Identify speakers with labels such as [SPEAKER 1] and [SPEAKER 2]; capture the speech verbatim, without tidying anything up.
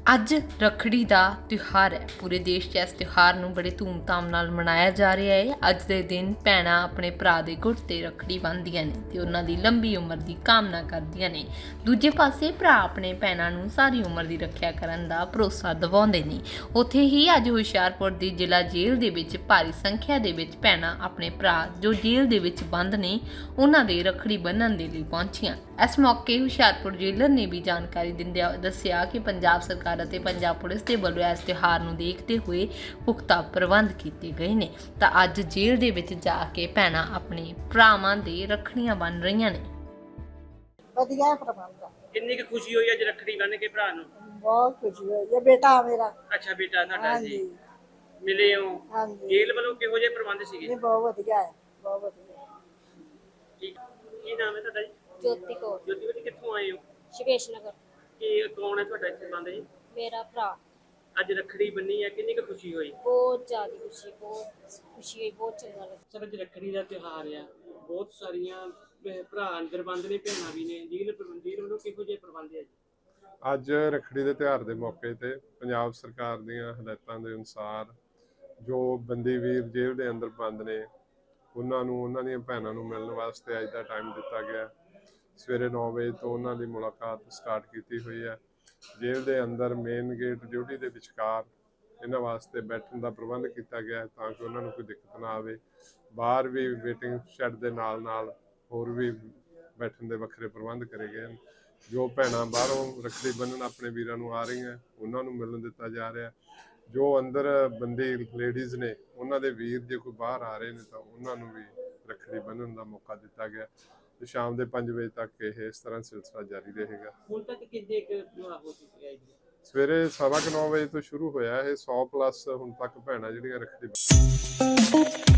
[SPEAKER 1] ਅੱਜ ਰੱਖੜੀ ਦਾ ਤਿਉਹਾਰ ਹੈ। ਪੂਰੇ ਦੇਸ਼ 'ਚ ਇਸ ਤਿਉਹਾਰ ਨੂੰ ਬੜੇ ਧੂਮਧਾਮ ਨਾਲ ਮਨਾਇਆ ਜਾ ਰਿਹਾ ਹੈ। ਅੱਜ ਦੇ ਦਿਨ ਭੈਣਾਂ ਆਪਣੇ ਭਰਾ ਦੇ ਗੁੱਟ 'ਤੇ ਰੱਖੜੀ ਬੰਨ੍ਹਦੀਆਂ ਨੇ ਤੇ ਉਹਨਾਂ ਦੀ ਲੰਬੀ ਉਮਰ ਦੀ ਕਾਮਨਾ ਕਰਦੀਆਂ ਨੇ। ਦੂਜੇ ਪਾਸੇ ਭਰਾ ਆਪਣੇ ਭੈਣਾਂ ਨੂੰ ਸਾਰੀ ਉਮਰ ਦੀ ਰੱਖਿਆ ਕਰਨ ਦਾ ਭਰੋਸਾ ਦਿਵਾਉਂਦੇ ਨੇ। ਉੱਥੇ ਹੀ ਅੱਜ ਹੁਸ਼ਿਆਰਪੁਰ ਦੀ ਜ਼ਿਲ੍ਹਾ ਜੇਲ੍ਹ ਦੇ ਵਿੱਚ ਭਾਰੀ ਸੰਖਿਆ ਦੇ ਵਿੱਚ ਭੈਣਾਂ ਆਪਣੇ ਭਰਾ ਜੋ ਜੇਲ੍ਹ ਦੇ ਵਿੱਚ ਬੰਦ ਨੇ ਉਹਨਾਂ ਦੇ ਰੱਖੜੀ ਬੰਨ੍ਹਣ ਦੇ ਲਈ ਪਹੁੰਚੀਆਂ। ਇਸ ਮੌਕੇ ਹੁਸ਼ਿਆਰਪੁਰ ਜੇਲਰ ਨੇ ਵੀ ਜਾਣਕਾਰੀ ਦਿੰਦਿਆਂ ਦੱਸਿਆ ਕਿ ਪੰਜਾਬ ਸਰਕਾਰ ਅਤੇ ਪੰਜਾਬ ਪੁਲਿਸ ਦੇ ਵੱਲੋਂ ਇਸ ਤਿਉਹਾਰ ਨੂੰ ਦੇਖਦੇ ਹੋਏ ਪੁਖਤਾ ਪ੍ਰਬੰਧ ਕੀਤੇ ਗਏ ਨੇ ਤਾਂ ਅੱਜ ਜੇਲ੍ਹ ਦੇ ਵਿੱਚ ਜਾ ਕੇ ਭੈਣਾਂ ਆਪਣੇ ਭਰਾਵਾਂ ਦੇ ਰੱਖੜੀਆਂ ਬੰਨ੍ਹ ਰਹੀਆਂ ਨੇ।
[SPEAKER 2] ਵਧੀਆ ਪ੍ਰਬੰਧ ਆ।
[SPEAKER 3] ਕਿੰਨੀ ਕੁ ਖੁਸ਼ੀ ਹੋਈ ਅੱਜ ਰੱਖੜੀ ਬੰਨ ਕੇ ਭਰਾ ਨੂੰ?
[SPEAKER 2] ਬਹੁਤ ਖੁਸ਼ੀ ਹੋਈ ਇਹ ਬੇਟਾ ਮੇਰਾ।
[SPEAKER 3] ਅੱਛਾ ਬੇਟਾ ਤੁਹਾਡਾ
[SPEAKER 2] ਹਾਂਜੀ
[SPEAKER 3] ਜੀ, ਮਿਲੇ ਹੋ?
[SPEAKER 2] ਹਾਂਜੀ
[SPEAKER 3] ਜੇਲ੍ਹ ਵੱਲੋਂ ਕਿਹੋ ਜਿਹੇ ਪ੍ਰਬੰਧ ਸੀਗੇ?
[SPEAKER 2] ਇਹ ਬਹੁਤ ਵਧੀਆ ਹੈ, ਬਹੁਤ ਵਧੀਆ।
[SPEAKER 3] ਠੀਕ, ਕੀ ਨਾਮ ਹੈ ਤੁਹਾਡਾ ਜੀ?
[SPEAKER 4] ਜੋਤੀ ਕੌਰ,
[SPEAKER 3] ਜੋਤੀ ਬੇਟੀ ਕਿੱਥੋਂ ਆਏ ਹੋ?
[SPEAKER 4] ਸ਼ਿਵੇਸ਼ ਨਗਰ।
[SPEAKER 3] ਕੀ ਕੌਣ ਹੈ ਤੁਹਾਡਾ ਇੱਥੇ ਬੰਦ ਜੀ?
[SPEAKER 4] ਮੇਰਾ ਭਰਾ।
[SPEAKER 3] ਅੱਜ ਰੱਖੜੀ ਬੰਨੀ ਹੈ, ਕਿੰਨੀ ਕੁ ਖੁਸ਼ੀ ਹੋਈ?
[SPEAKER 4] ਬਹੁਤ ਜ਼ਿਆਦਾ ਖੁਸ਼ੀ, ਬਹੁਤ ਖੁਸ਼ੀ ਹੋਈ, ਬਹੁਤ ਚੰਗਾ ਲੱਗਾ।
[SPEAKER 3] ਸਰ ਅੱਜ ਰੱਖੜੀ ਦਾ ਤਿਉਹਾਰ ਆ, ਬਹੁਤ ਸਾਰੀਆਂ ਭੈ- ਭਰਾ ਅੰਦਰ ਬੰਦ ਨੇ, ਭੈਣਾਂ ਵੀ ਨੇ, ਜੇਲ੍ਹ ਪ੍ਰਬੰਧੀ ਵੱਲੋਂ ਕਿਹੋ ਜਿਹੇ ਪ੍ਰਬੰਧ ਹੈ ਜੀ?
[SPEAKER 5] ਅੱਜ ਰੱਖੜੀ ਦੇ ਤਿਉਹਾਰ ਦੇ ਮੌਕੇ ਤੇ ਪੰਜਾਬ ਸਰਕਾਰ ਦੀਆਂ ਹਦਾਇਤਾਂ ਦੇ ਅਨੁਸਾਰ ਜੋ ਬੰਦੀ ਵੀਰ ਜੇਲ੍ਹ ਦੇ ਅੰਦਰ ਬੰਦ ਨੇ ਉਹਨਾਂ ਨੂੰ ਉਹਨਾਂ ਦੀਆਂ ਭੈਣਾਂ ਨੂੰ ਮਿਲਣ ਵਾਸਤੇ ਅੱਜ ਦਾ ਟਾਈਮ ਦਿੱਤਾ ਗਿਆ। ਸਵੇਰੇ ਨੌ ਵਜੇ ਤੋਂ ਉਹਨਾਂ ਦੀ ਮੁਲਾਕਾਤ ਸਟਾਰਟ ਕੀਤੀ ਹੋਈ ਹੈ। ਜੇਲ੍ਹ ਦੇ ਅੰਦਰ ਮੇਨ ਗੇਟ ਡਿਊਟੀ ਦੇ ਵਿਚਕਾਰ ਇਹਨਾਂ ਵਾਸਤੇ ਬੈਠਣ ਦਾ ਪ੍ਰਬੰਧ ਕੀਤਾ ਗਿਆ ਹੈ ਤਾਂ ਕਿ ਉਹਨਾਂ ਨੂੰ ਕੋਈ ਦਿੱਕਤ ਨਾ ਆਵੇ। ਬਾਹਰ ਵੀ ਵੇਟਿੰਗ ਸ਼ੈੱਡ ਦੇ ਨਾਲ ਨਾਲ ਹੋਰ ਵੀ ਬੈਠਣ ਦੇ ਵੱਖਰੇ ਪ੍ਰਬੰਧ ਕਰੇ ਗਏ ਹਨ। ਜੋ ਭੈਣਾਂ ਬਾਹਰੋਂ ਰੱਖੜੀ ਬੰਨ੍ਹਣ ਆਪਣੇ ਵੀਰਾਂ ਨੂੰ ਆ ਰਹੀਆਂ ਉਹਨਾਂ ਨੂੰ ਮਿਲਣ ਦਿੱਤਾ ਜਾ ਰਿਹਾ। ਜੋ ਅੰਦਰ ਬੰਦੀ ਲੇਡੀਜ਼ ਨੇ ਉਹਨਾਂ ਦੇ ਵੀਰ ਜੇ ਕੋਈ ਬਾਹਰ ਆ ਰਹੇ ਨੇ ਤਾਂ ਉਹਨਾਂ ਨੂੰ ਵੀ ਰੱਖੜੀ ਬੰਨ੍ਹਣ ਦਾ ਮੌਕਾ ਦਿੱਤਾ ਗਿਆ ਤੇ ਸ਼ਾਮ ਦੇ ਪੰਜ ਵਜੇ ਤੱਕ ਇਹ ਇਸ ਤਰ੍ਹਾਂ ਸਿਲਸਿਲਾ ਜਾਰੀ ਰਹੇਗਾ।
[SPEAKER 3] ਹੁਣ ਤੱਕ ਕਿੰਨੇ ਕੁ ਵਿਆਹ ਹੋ ਚੁੱਕੇ ਆ ਜੀ?
[SPEAKER 5] ਸਵੇਰੇ ਸਵਾ ਕੁ ਨੌ ਵਜੇ ਤੋਂ ਸ਼ੁਰੂ ਹੋਇਆ ਇਹ ਸੌ ਪਲੱਸ ਹੁਣ ਤੱਕ ਭੈਣਾਂ ਜਿਹੜੀਆਂ ਰੱਖੜੀ